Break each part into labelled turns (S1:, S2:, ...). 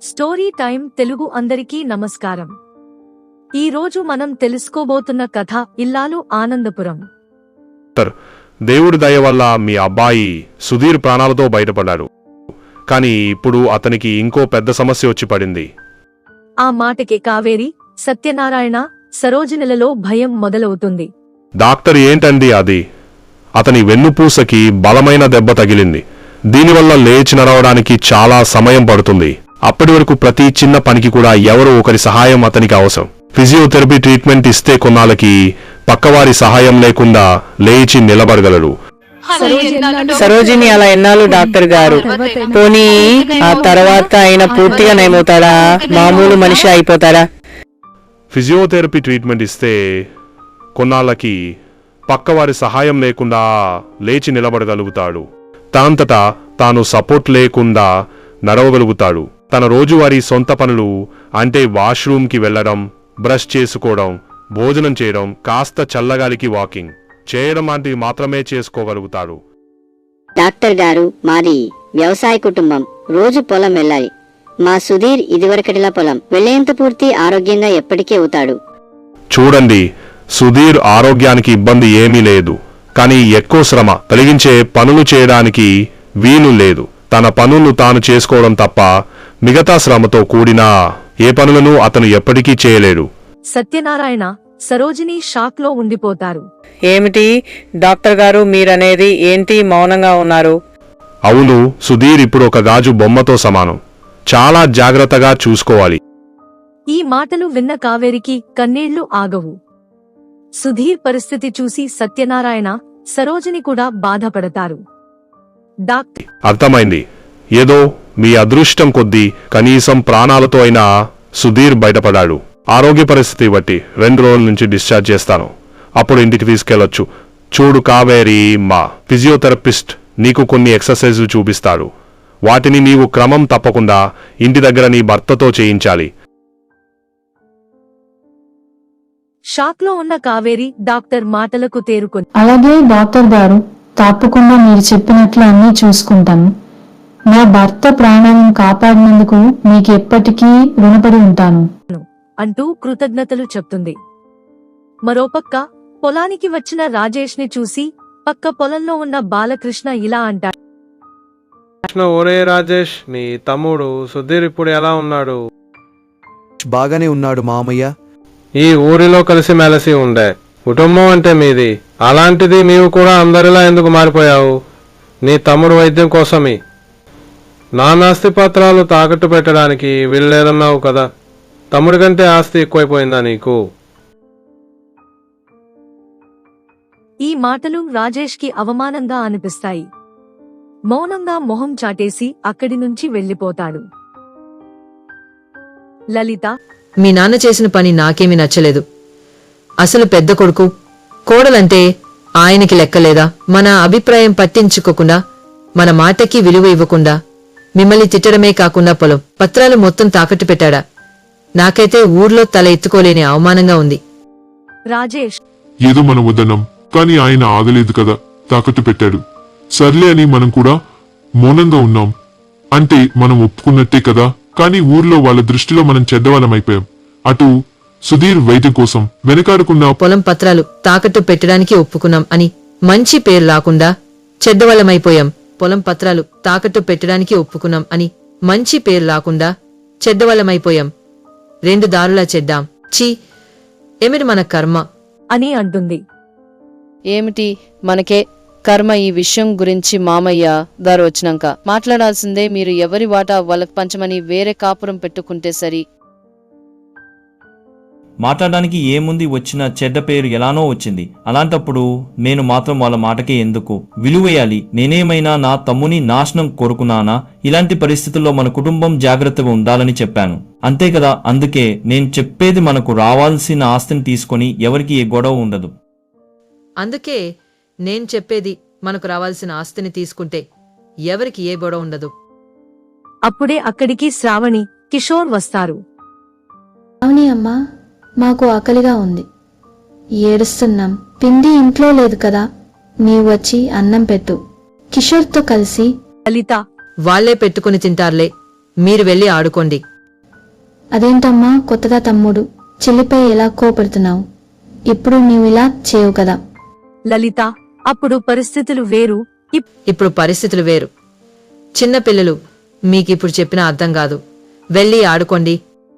S1: Story time Telugu అందరికీ నమస్కారం. ఈ రోజు మనం తెలుసుకోబోతున్న కథ ఇల్లాలు ఆనందపురం.
S2: దేవుడి దయ వల్ల మీ అబ్బాయి సుధీర్ ప్రాణాలతో బయటపడ్డాడు. కానీ ఇప్పుడు అతనికి ఇంకో పెద్ద సమస్య వచ్చి పడింది.
S1: ఆ మాటకి కావేరి, సత్యనారాయణ, సరోజినిలలో భయం మొదలవుతుంది.
S2: డాక్టర్ ఏంటండి అది? అతని వెన్నుపూసకి బలమైన దెబ్బ తగిలింది. దీనివల్ల లేచి నడవడానికి చాలా సమయం పడుతుంది. అప్పటి వరకు ప్రతి చిన్న పనికి కూడా ఎవరో ఒకరి సహాయం అతనికి అవసరం. ఫిజియోథెరపీ ట్రీట్మెంట్ ఇస్తే కొన్నాళ్ళకి పక్కవారి సహాయం లేకుండా లేచి నిలబడగలడు.
S3: సరోజిని అలా ఎన్నాళ్ళు డాక్టర్ గారు? పోనీ ఆ తర్వాత ఆయన పూర్తిగా నయమవుతాడా? మామూలు మనిషి అయిపోతాడా?
S2: ఫిజియోథెరపీ ట్రీట్మెంట్ ఇస్తే కొన్నాళ్ళకి పక్కవారి సహాయం లేకుండా లేచి నిలబడగలుగుతాడు. తనంతటా తాను సపోర్ట్ లేకుండా నడవగలుగుతాడు. తన రోజువారీ సొంత పనులు అంటే వాష్రూమ్కి వెళ్లడం, బ్రష్ చేసుకోవడం, భోజనం చేయడం, కాస్త చల్లగాలికి వాకింగ్ చేయడం లాంటివి మాత్రమే చేసుకోగలుగుతాడు.
S4: డాక్టర్ గారు, మాది వ్యవసాయ కుటుంబం. రోజు పొలం వెళ్ళాలి. మా సుధీర్ ఇదివరకటిలా పొలం వెళ్లేంత పూర్తి ఆరోగ్యంగా ఎప్పటికీ అవుతాడు.
S2: చూడండి, సుధీర్ ఆరోగ్యానికి ఇబ్బంది ఏమీ లేదు. కానీ ఎక్కువ శ్రమ కలిగించే పనులు చేయడానికి వీలు లేదు. తన పనులు తాను చేసుకోవడం తప్ప మిగతా శ్రమతో కూడిన ఏ పనులను అతను ఎప్పటికీ చేయలేడు.
S1: సత్యనారాయణ, సరోజిని షాక్ లో ఉండిపోతారు.
S3: ఏమిటి డాక్టర్ గారు మీరనేది? ఏంటి మౌనంగా ఉన్నారు?
S2: అవును, సుధీర్ ఇప్పుడు ఒక గాజు బొమ్మతో సమానం. చాలా జాగ్రత్తగా చూసుకోవాలి.
S1: ఈ మాటలు విన్న కావేరికి కన్నీళ్లు ఆగవు. సుధీర్ పరిస్థితి చూసి సత్యనారాయణ, సరోజిని కూడా బాధపడతారు. డాక్టర్,
S2: అర్థమైంది. ఏదో మీ అదృష్టం కొద్దీ కనీసం ప్రాణాలతో అయినా సుధీర్ బయటపడాడు. ఆరోగ్య పరిస్థితి బట్టి 2 రోజుల నుంచి డిశ్చార్జ్ చేస్తాను. అప్పుడు ఇంటికి తీసుకెళ్లొచ్చు. చూడు కావేరి, మా ఫిజియోథెరపిస్ట్ నీకు కొన్ని ఎక్సర్సైజులు చూపిస్తాడు. వాటిని నీవు క్రమం తప్పకుండా ఇంటి దగ్గర నీ భర్తతో చేయించాలి.
S1: షాక్ లో ఉన్న కావేరి డాక్టర్ మాటలకు తేరుకొని,
S5: అలాగే డాక్టర్ గారు, తప్పకుండా మీరు చెప్పినట్లు అన్నీ చూసుకుంటాను. నా భర్త ప్రాణాలను కాపాడినందుకు మీకు ఎప్పటికీ రుణపడి ఉంటాను
S1: అంటూ కృతజ్ఞతలు చెప్తుంది. మరోపక్క పొలానికి వచ్చిన రాజేష్ ని చూసి పక్క పొలంలో ఉన్న బాలకృష్ణ ఇలా అంటాడు.
S6: ఒరే రాజేష్, నీ తమ్ముడు సుధీర్ ఇప్పుడు ఎలా ఉన్నాడు?
S7: బాగానే ఉన్నాడు మామయ్య.
S6: ఈ ఊరిలో కలిసి మెలిసి ఉండే కుటుంబం అంటే మీది. అలాంటిది నీవు కూడా అందరిలా ఎందుకు మారిపోయావు? నీ తమ్ముడు వైద్యం కోసమే నానాస్తి పత్రాలు తాకట్టు పెట్టడానికి వీల్లేదన్నావు కదా. తమ్ముడి కంటే ఆస్తి ఎక్కువైపోయిందా నీకు?
S1: ఈ మాటలు రాజేష్ కి అవమానంగా అనిపిస్తాయి. మౌనంగా మొహం చాటేసి అక్కడి నుంచి వెళ్లిపోతాడు. లలిత,
S8: మీ నాన్న చేసిన పని నాకేమీ నచ్చలేదు. అసలు పెద్ద కొడుకు, కోడలంటే ఆయనకి లెక్కలేదా? మన అభిప్రాయం పట్టించుకోకుండా, మన మాటకి విలువ ఇవ్వకుండా, మిమ్మల్ని తిట్టడమే కాకుండా పొలం పత్రాలు మొత్తం తాకట్టు పెట్టాడా? నాకైతే ఊర్లో తల ఎత్తుకోలేని అవమానంగా ఉంది.
S1: రాజేష్,
S9: ఏదో మనం వద్దన్నాం, కానీ ఆయన ఆగలేదు కదా, తాకట్టు పెట్టాడు. సర్లే అని మనం కూడా మౌనంగా ఉన్నాం. అంటే మనం ఒప్పుకున్నట్టే కదా. కానీ ఊర్లో వాళ్ళ దృష్టిలో మనం చెడ్డవాళ్ళమైపోయాం. అటు సుధీర్ వైద్యం కోసం వెనకాడకుండా
S8: పొలం పత్రాలు తాకట్టు పెట్టడానికి ఒప్పుకున్నాం అని మంచి పేరు రాకుండా చెడ్డవాళ్ళమైపోయాం. పొలం పత్రాలు తాకట్టు పెట్టడానికి ఒప్పుకున్నాం అని మంచి పేరు రాకుండా చెడ్డవాళ్ళమైపోయాం. 2 దారులా చెడ్డాం. ఛీ, ఏమిటి మన కర్మ
S1: అని అంటుంది.
S10: ఏమిటి మనకే కర్మ? ఈ విషయం గురించి మామయ్య గారు వచ్చినాక మాట్లాడాల్సిందే. మీరు ఎవరి వాటా వాళ్ళకు పంచమని వేరే కాపురం పెట్టుకుంటే సరి.
S11: మాట్లాడడానికి ఏముంది? వచ్చిన చెడ్డ పేరు ఎలానో వచ్చింది. అలాంటప్పుడు నేను మాత్రం వాళ్ళ మాటకే ఎందుకు విలువేయాలి? నేనేమైనా నా తమ్ముని నాశనం కోరుకున్నానా? ఇలాంటి పరిస్థితుల్లో మన కుటుంబం జాగ్రత్తగా ఉండాలని చెప్పాను, అంతే కదా. అందుకే నేను చెప్పేది, మనకు రావాల్సిన ఆస్తిని తీసుకొని ఎవరికి ఏ గొడవ ఉండదు.
S8: అందుకే నేను చెప్పేది, మనకు రావాల్సిన ఆస్తిని తీసుకుంటే ఎవరికి ఏ గొడవ ఉండదు.
S1: అప్పుడే అక్కడికి శ్రావణి, కిషోర్ వస్తారు.
S5: అవునే అమ్మా, మాకు ఆకలిగా ఉంది, ఏడుస్తున్నాం. పిండి ఇంట్లో లేదు కదా, నీవు వచ్చి అన్నం పెట్టు. కిషోర్తో కలిసి
S1: లలిత,
S8: వాళ్లే పెట్టుకుని తింటారులే, మీరు వెళ్ళి ఆడుకోండి.
S5: అదేంటమ్మా కొత్తగా తమ్ముడు చెల్లిపై ఎలా కోపడుతున్నావు? ఇప్పుడు నీవు ఇలా చేయవు కదా.
S1: లలిత, అప్పుడు పరిస్థితులు వేరు.
S8: ఇప్పుడు పరిస్థితులు వేరు. చిన్న పిల్లలు, మీకిప్పుడు చెప్పినా అర్థం కాదు. వెళ్ళి ఆడుకోండి.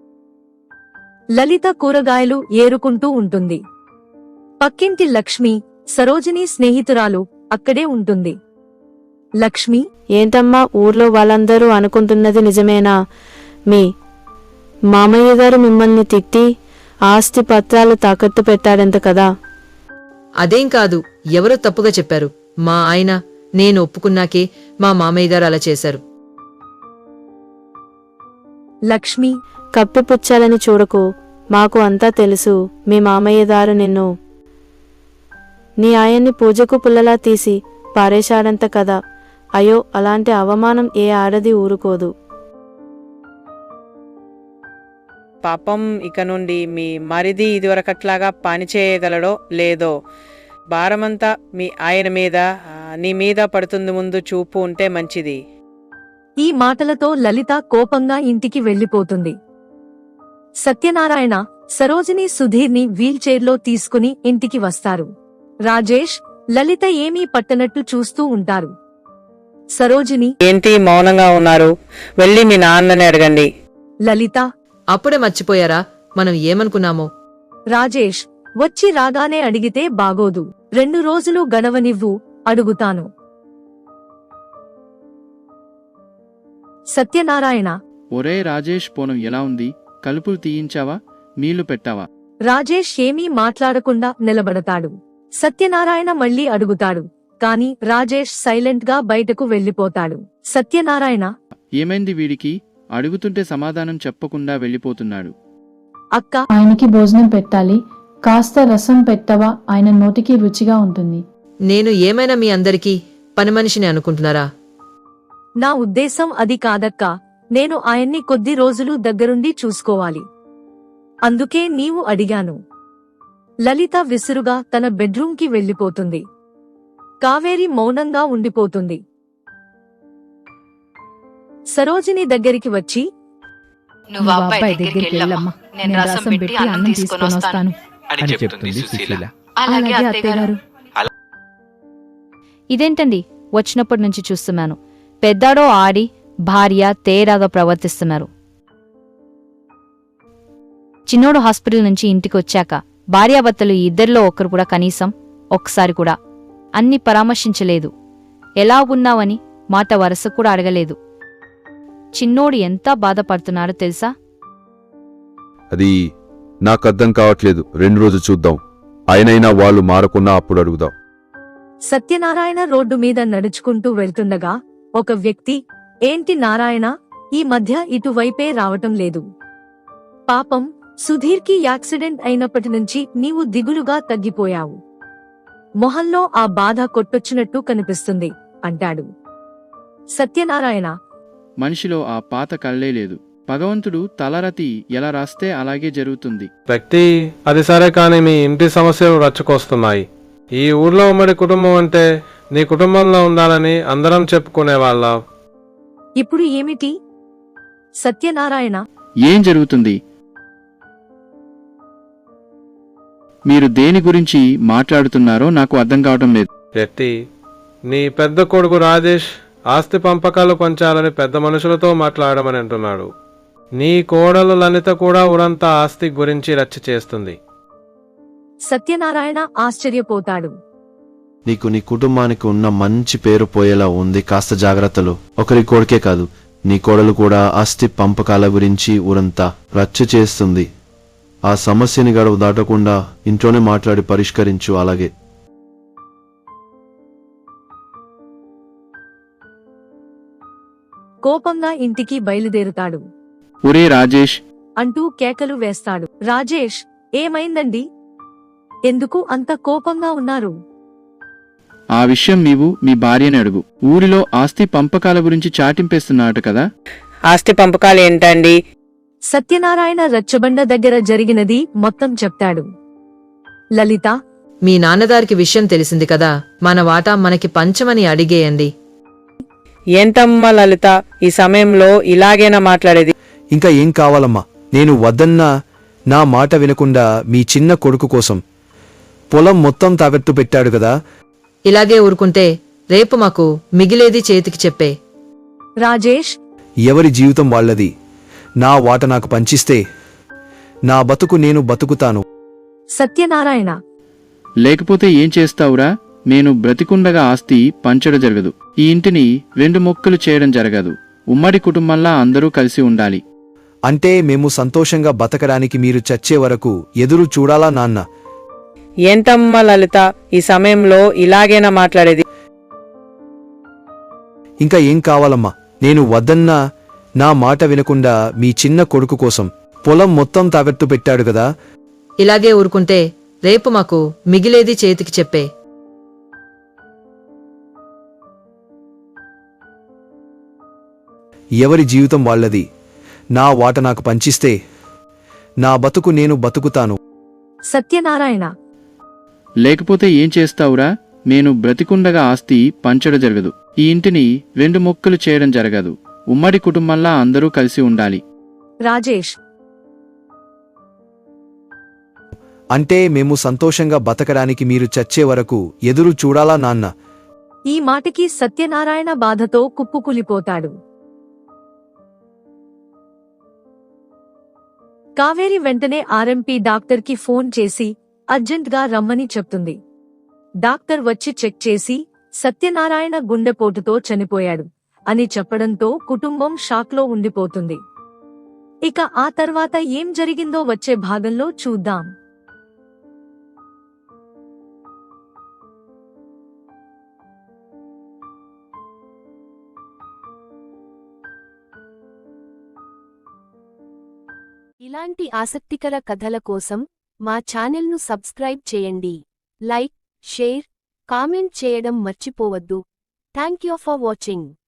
S1: లలిత కూరగాయలు ఏరుకుంటూ ఉంటుంది. పక్కింటి లక్ష్మి, సరోజిని స్నేహితురాలు అక్కడే ఉంటుంది. లక్ష్మి,
S3: ఏంటమ్మా ఊర్లో వాళ్ళందరూ అనుకుంటున్నది నిజమేనా? మీ మామయ్య గారు మిమ్మల్ని తిట్టి ఆస్తి పత్రాలు తాకట్టు పెట్టాడంట కదా.
S8: అదేం కాదు, ఎవరో తప్పుగా చెప్పారు. మా ఆయన నేను ఒప్పుకున్నాకే మా మామయ్య గారు అలా చేశారు.
S1: లక్ష్మి,
S3: కప్పిపుచ్చాలని చూడకు, మాకు అంతా తెలుసు. మీ మామయ్య గారు నిన్ను నీ ఆయన్ని పూజకు పుల్లలా తీసి పారేశాడంత కదా. అయ్యో, అలాంటి అవమానం ఏ ఆడది ఊరుకోదు. పాపం, ఇక నుండి మీ మరిది ఇదివరకట్లాగా పనిచేయగలడో లేదో భారమంతా మీ ఆయన మీద, నీ మీద పడుతుంది. ముందు చూపు ఉంటే మంచిది.
S1: ఈ మాటలతో లలిత కోపంగా ఇంటికి వెళ్లిపోతుంది. సత్యనారాయణ, సరోజిని సుధీర్ని వీల్చైర్లో తీసుకుని ఇంటికి వస్తారు. రాజేష్, లలిత ఏమీ పట్టనట్టు చూస్తూ ఉంటారు. సరోజిని,
S3: ఏంటి మౌనంగా ఉన్నారు? వెళ్ళి మీ నాన్నని అడగండి.
S1: లలిత,
S8: అప్పుడే మర్చిపోయారా మనం ఏమనుకున్నామో?
S1: రాజేష్, వచ్చి రాగానే అడిగితే బాగోదు. 2 రోజులు గడవనివ్వు, అడుగుతాను. సత్యనారాయణ,
S12: ఒరే రాజేష్, పోనం ఎలా ఉంది? కలుపులు తీయించావా? నీళ్లు పెట్టావా?
S1: రాజేష్ ఏమీ మాట్లాడకుండా నిలబడతాడు. సత్యనారాయణ మళ్ళీ అడుగుతాడు, కాని రాజేష్ సైలెంట్ గా బయటకు వెళ్లిపోతాడు. సత్యనారాయణ,
S12: ఏమైంది వీడికి? అడుగుతుంటే సమాధానం చెప్పకుండా వెళ్ళిపోతున్నాడు.
S1: అక్క,
S5: ఆయనకి భోజనం పెట్టాలి. కాస్త రసం పెట్టవా? ఆయన నోటికి రుచిగా ఉంటుంది.
S8: నేను ఏమైనా మీ అందరికీ పని మనిషిని అనుకుంటున్నారా?
S1: నా ఉద్దేశం అది కాదక్కా. నేను ఆయన్ని కొద్ది రోజులు దగ్గరుండి చూసుకోవాలి. అందుకే నీవు అడిగాను. లలిత విసురుగా తన బెడ్రూంకి వెళ్లిపోతుంది. కావేరి మౌనంగా ఉండిపోతుంది. సరోజిని దగ్గరికి వచ్చి,
S13: నువ్వు అబ్బాయి దగ్గరికి వెళ్ళమ్మా, నేను రసం పెట్టి అన్నం తీసుకొని వస్తాను అని చెప్తుంది సుశీల. అలాగే అత్తయ్యగారు.
S14: ఇదేంటండి, వచ్చినప్పటి నుంచి చూస్తున్నాను పెద్దాడో ఆడి భార్య తేరాగా ప్రవర్తిస్తున్నారు. చిన్నోడు హాస్పిటల్ నుంచి ఇంటికి వచ్చాక భార్యాభర్తలు ఇద్దరిలో ఒకరు కూడా కనీసం ఒక్కసారి కూడా అన్ని పరామర్శించలేదు. ఎలా ఉన్నావని మాట వరస కూడా అడగలేదు. చిన్నోడు ఎంత బాధపడుతున్నారో తెలుసా?
S15: అది నాకు అర్థం కావట్లేదు. 2 రోజులు చూద్దాం. ఆయనైనా వాళ్ళు మారకున్నా అప్పుడు అడుగుదాం.
S1: సత్యనారాయణ రోడ్డు మీద నడుచుకుంటూ వెళ్తుండగా ఒక వ్యక్తి, ఏంటి నారాయణ, ఈ మధ్య ఇటువైపే రావటం లేదు? పాపం, సుధీర్కి యాక్సిడెంట్ అయినప్పటి నుంచి నీవు దిగులుగా తగ్గిపోయావు. మొహంలో ఆ బాధ కొట్టొచ్చినట్టు కనిపిస్తుంది అంటాడు. సత్యనారాయణ,
S12: మనిషిలో ఆ పాత కళ్ళే లేదు. భగవంతుడు తలరతి ఎలా రాస్తే అలాగే జరుగుతుంది.
S6: వ్యక్తి, అది సరే, కానీ మీ ఇంటి సమస్యలు రచ్చుకొస్తున్నాయి. ఈ ఊర్లో ఉమ్మడి కుటుంబం అంటే నీ కుటుంబంలో ఉండాలని అందరం చెప్పుకునేవాళ్ళం.
S1: ఇప్పుడు ఏమిటి? సత్యనారాయణ,
S12: ఏం జరుగుతుంది? మీరు దేని గురించి మాట్లాడుతున్నారో నాకు అర్థం కావటం లేదు.
S6: వ్యక్తి, నీ పెద్ద కొడుకు రాజేష్ ఆస్తి పంపకాలు పంచాలని పెద్ద మనుషులతో మాట్లాడమని అంటున్నాడు. నీ కోడలు లలిత కూడా ఊరంతా ఆస్తి గురించి రచ్చ చేస్తుంది.
S1: సత్యనారాయణ ఆశ్చర్యపోతాడు.
S7: నీకు నీ కుటుంబానికి ఉన్న మంచి పేరు పోయేలా ఉంది. కాస్త జాగ్రత్తలు. ఒకరి కొడుకే కాదు, నీ కోడలు కూడా ఆస్తి పంపకాల గురించి ఊరంతా రచ్చ చేస్తుంది. ఆ సమస్యని గడువు దాటకుండా ఇంట్లోనే మాట్లాడి పరిష్కరించు. అలాగే
S1: కోపంగా ఇంటికి బయలుదేరుతాడు.
S12: ఒరే రాజేష్
S1: అంటూ కేకలు వేస్తాడు. రాజేష్, ఏమైందండి? ఎందుకు అంత కోపంగా ఉన్నారు?
S12: ఆ విషయం నీవు మీ భార్యని అడుగు. ఊరిలో ఆస్తి పంపకాల గురించి చాటింపేస్తున్నాడు కదా.
S3: ఆస్తి పంపకాలు ఏంటండి?
S1: సత్యనారాయణ రచ్చబండ దగ్గర జరిగినది మొత్తం చెప్తాడు. లలిత,
S8: మీ నాన్నగారికి విషయం తెలిసింది కదా, మన వాటా మనకి పంచమని అడిగేయండి.
S3: ఏంటమ్మా లలిత, ఈ సమయంలో ఇలాగేనా మాట్లాడేది?
S7: ఇంకా ఏం కావాలమ్మా?
S16: నేను వద్దన్నా నా మాట వినకుండా మీ చిన్న కొడుకు కోసం పొలం మొత్తం తాకట్టు పెట్టాడు కదా.
S8: ఇలాగే ఊరుకుంటే రేపు మాకు మిగిలేది చేతికి చెప్పే.
S1: రాజేష్,
S16: ఎవరి జీవితం వాళ్ళది. నా వాట నాకు పంచిస్తే నా బతుకు నేను బతుకుతాను.
S1: సత్యనారాయణ,
S12: లేకపోతే ఏం చేస్తావురా? నేను బ్రతికుండగా ఆస్తి పంచడం జరగదు. ఈ ఇంటిని 2 ముక్కలు చేయడం జరగదు. ఉమ్మడి కుటుంబంలా అందరూ కలిసి ఉండాలి.
S16: అంటే మేము సంతోషంగా బతకడానికి మీరు చచ్చే వరకు ఎదురు చూడాలా నాన్న?
S17: ఏంటమ్మా లలిత, ఈ సమయంలో ఇలాగేనా మాట్లాడేది?
S16: ఇంకా ఏం కావాలమ్మా? నేను వద్దన్నా నా మాట వినకుండా మీ చిన్న కొడుకు కోసం పొలం మొత్తం తాకట్టు పెట్టాడు కదా.
S8: ఇలాగే ఊరుకుంటే రేపు మాకు మిగిలేది చేతికి చెప్పే.
S16: ఎవరి జీవితం వాళ్ళది. నా వాట నాకు పంచిస్తే నా బతుకు నేను బతుకుతాను.
S1: సత్యనారాయణ,
S12: లేకపోతే ఏం చేస్తావురా? నేను బ్రతికుండగా ఆస్తి పంచడం జరగదు. ఈ ఇంటిని 2 ముక్కలు చేయడం జరగదు. ఉమ్మడి కుటుంబంలా అందరూ కలిసి ఉండాలి.
S1: రాజేష్,
S16: అంటే మేము సంతోషంగా బతకడానికి మీరు చచ్చే వరకు ఎదురు చూడాలా నాన్న?
S1: ఈ మాటకి సత్యనారాయణ బాధతో కుప్పుకులిపోతాడు. కావేరి వెంటనే ఆర్ఎంపీ డాక్టర్కి ఫోన్ చేసి అర్జెంట్గా రమ్మని చెప్తుంది. డాక్టర్ వచ్చి చెక్ చేసి సత్యనారాయణ గుండెపోటుతో చనిపోయాడు అని చెప్పడంతో కుటుంబం షాక్లో ఉండిపోతుంది. ఇక ఆ తర్వాత ఏం జరిగిందో వచ్చే భాగంలో చూద్దాం.
S18: ఇలాంటి ఆసక్తికర కథల కోసం మా ఛానల్ను సబ్స్క్రైబ్ చేయండి. లైక్, షేర్, కామెంట్ చేయడం మర్చిపోవద్దు. Thank you for watching.